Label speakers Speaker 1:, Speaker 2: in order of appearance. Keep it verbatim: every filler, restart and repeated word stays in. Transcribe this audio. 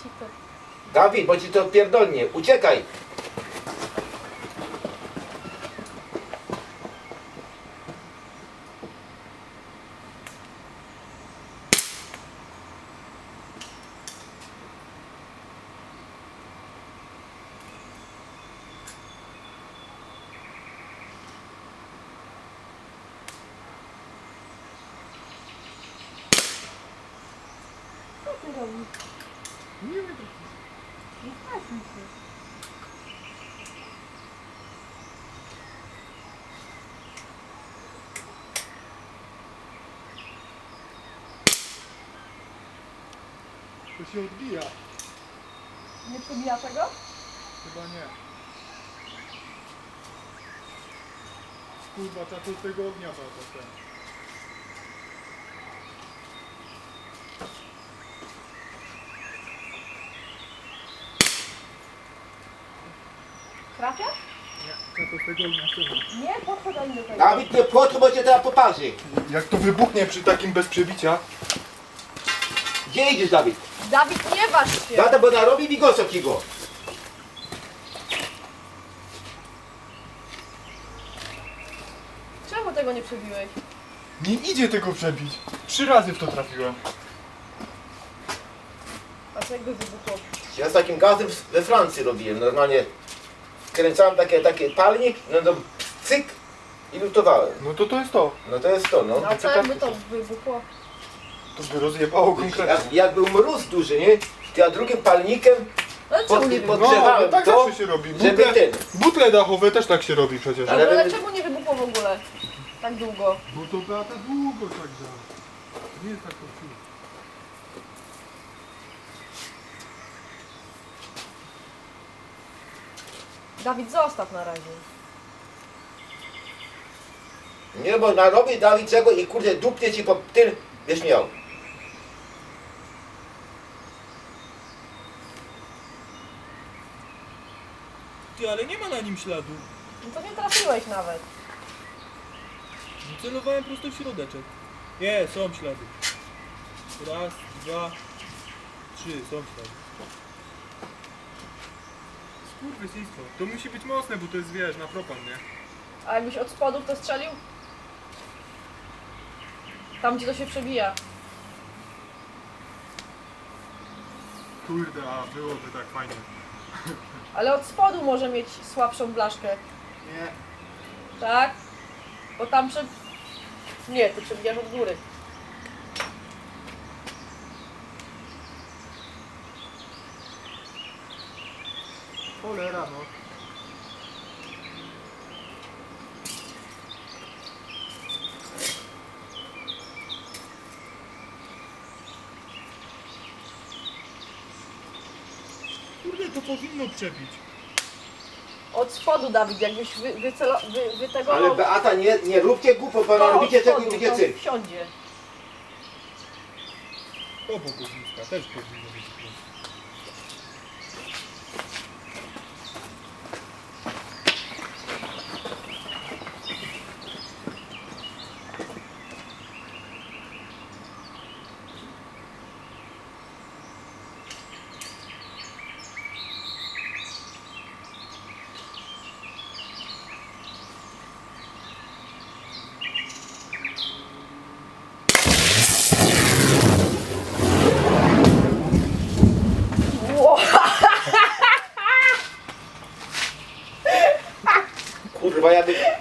Speaker 1: ci to...
Speaker 2: Dawid, bo ci to pierdolnie. Uciekaj.
Speaker 1: Co ty robisz?
Speaker 3: Nie wiem.
Speaker 1: Nie stresuj się.
Speaker 3: To się odbija.
Speaker 1: Nie przebija tego?
Speaker 3: Chyba nie. Kurwa, trzeba to z tego ognia bardzo ten.
Speaker 1: Trafia?
Speaker 3: Nie, trzeba to z tego ognia ściągnąć.
Speaker 1: Nie, podchodź do tego.
Speaker 2: Dawid, nie płot, bo cię teraz poparzy.
Speaker 3: Jak to wybuchnie przy takim bez przebicia?
Speaker 2: Gdzie idziesz, Dawid?
Speaker 1: Dawid, nie waż się!
Speaker 2: Tata, bo narobi wigosa kigo.
Speaker 1: Czemu tego nie przebiłeś?
Speaker 3: Nie idzie tego przebić. Trzy razy w to trafiłem.
Speaker 1: A co jakby wybuchło?
Speaker 2: Ja z takim gazem we Francji robiłem. Normalnie wkręcałem takie, taki palnik, no to cyk i lutowałem.
Speaker 3: No to to jest to.
Speaker 2: No to jest to, no.
Speaker 1: No a co jakby to wybuchło?
Speaker 3: To by rozjebało konkretnie.
Speaker 2: Jak, jak był mróz duży, nie? To ja drugim palnikiem
Speaker 1: No ale czemu
Speaker 2: pod,
Speaker 1: nie
Speaker 2: pod
Speaker 1: wybuchło?
Speaker 3: No,
Speaker 2: drzewałem
Speaker 3: no tak
Speaker 2: to,
Speaker 3: zawsze się robi.
Speaker 2: żeby
Speaker 3: Butle,
Speaker 2: ten.
Speaker 3: butle dachowe też tak się robi przecież.
Speaker 2: Ale-
Speaker 1: Ale, ale czemu nie wybuchło w ogóle? Tak długo.
Speaker 3: Bo to Beata długo tak działa. Nie jest tak to chwilę.
Speaker 1: Dawid, zostaw na razie.
Speaker 2: Nie, bo narobi Dawid czego i kurde dupnie ci po tym, wiesz miał.
Speaker 4: Ty, ale nie ma na nim śladu.
Speaker 1: No to nie trafiłeś nawet.
Speaker 4: Celowałem prosto w środeczek. Nie, są ślady. Raz, dwa, trzy, są ślady.
Speaker 3: Skurwysyństwo. To musi być mocne, bo to jest, wiesz, na propan, nie?
Speaker 1: A jakbyś od spodu to strzelił? Tam gdzie to się przebija.
Speaker 3: Kurde, a byłoby tak fajnie.
Speaker 1: Ale od spodu może mieć słabszą blaszkę.
Speaker 3: Nie.
Speaker 1: Tak? Bo tam prze... Nie, ty przebijasz od góry.
Speaker 3: Cholera, no. Kurde, to powinno przebić.
Speaker 1: Od spodu, Dawid, jakbyś wy, wycelo... wy, wy tego...
Speaker 2: Ale Beata, nie, nie róbcie głupot, bo narobicie czego i będzie cyrk.
Speaker 1: wsiądzie.
Speaker 4: Obok ogniska też powinno być pięć.
Speaker 1: Ło!
Speaker 2: Kurwa, ja by